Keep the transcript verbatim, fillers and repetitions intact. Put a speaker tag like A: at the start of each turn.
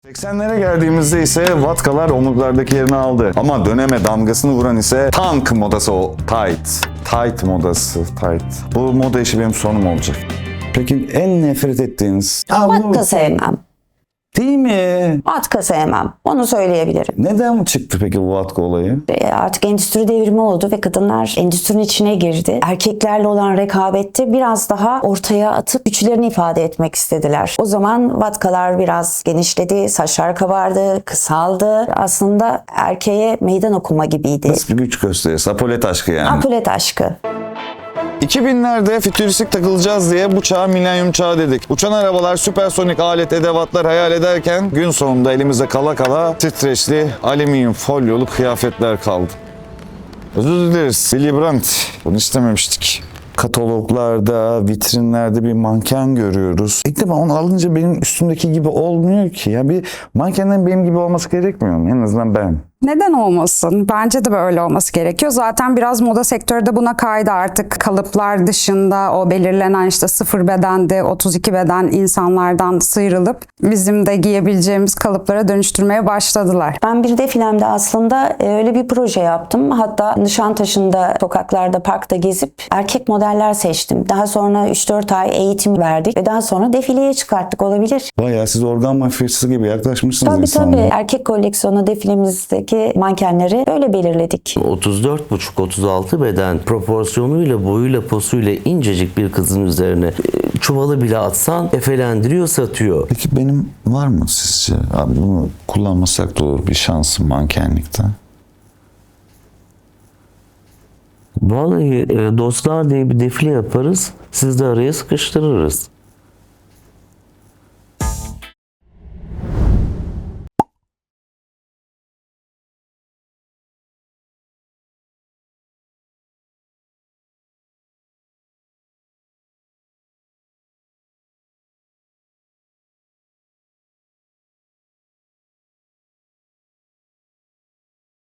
A: seksenlere geldiğimizde ise vatkalar omuzlardaki yerini aldı. Ama döneme damgasını vuran ise tank modası, o tight. Tight modası, tight. Bu moda işi benim sonum olacak. Peki en nefret ettiğiniz? Aa, bu-
B: Vatka sevmem.
A: Değil mi?
B: Vatka sevmem. Onu söyleyebilirim.
A: Neden çıktı peki bu vatka olayı?
B: E, Artık endüstri devrimi oldu ve kadınlar endüstrinin içine girdi. Erkeklerle olan rekabette biraz daha ortaya atıp güçlerini ifade etmek istediler. O zaman vatkalar biraz genişledi, saçlar kabardı, kısaldı. Aslında erkeğe meydan okuma gibiydi.
A: Nasıl bir güç gösterisi? Apolet aşkı yani.
B: Apolet aşkı.
A: iki binlerde fütüristik takılacağız diye bu çağa milenyum çağı dedik. Uçan arabalar, süpersonik alet edevatlar hayal ederken gün sonunda elimizde kala kala titreşli alüminyum folyolu kıyafetler kaldı. Özür dileriz. Willy Brandt. Bunu istememiştik. Kataloglarda, vitrinlerde bir manken görüyoruz. İlk defa onu alınca benim üstümdeki gibi olmuyor ki. Ya bir mankenden benim gibi olması gerekmiyor mu? En azından ben.
C: Neden olmasın? Bence de böyle olması gerekiyor. Zaten biraz moda sektörü de buna kaydı artık. Kalıplar dışında o belirlenen işte sıfır bedende, otuz iki beden insanlardan sıyrılıp bizim de giyebileceğimiz kalıplara dönüştürmeye başladılar.
B: Ben bir defilemde aslında e, öyle bir proje yaptım. Hatta Nişantaşı'nda, sokaklarda, parkta gezip erkek modeller seçtim. Daha sonra üç dört ay eğitim verdik ve daha sonra defileye çıkarttık, olabilir.
A: Bayağı siz organ mafyası gibi yaklaşmışsınız
B: Tabii
A: insanlara.
B: tabii. Erkek koleksiyonu defilemizdeki mankenleri öyle belirledik.
D: otuz dört buçuk otuz altı beden proporsiyonuyla, boyuyla, posuyla incecik bir kızın üzerine e, çuvalı bile atsan efelendiriyor, satıyor.
A: Peki benim var mı sizce? Abi bunu kullanmasak da olur bir şansım mankenlikte.
D: Vallahi e, dostlar diye bir defile yaparız, siz de araya sıkıştırırız.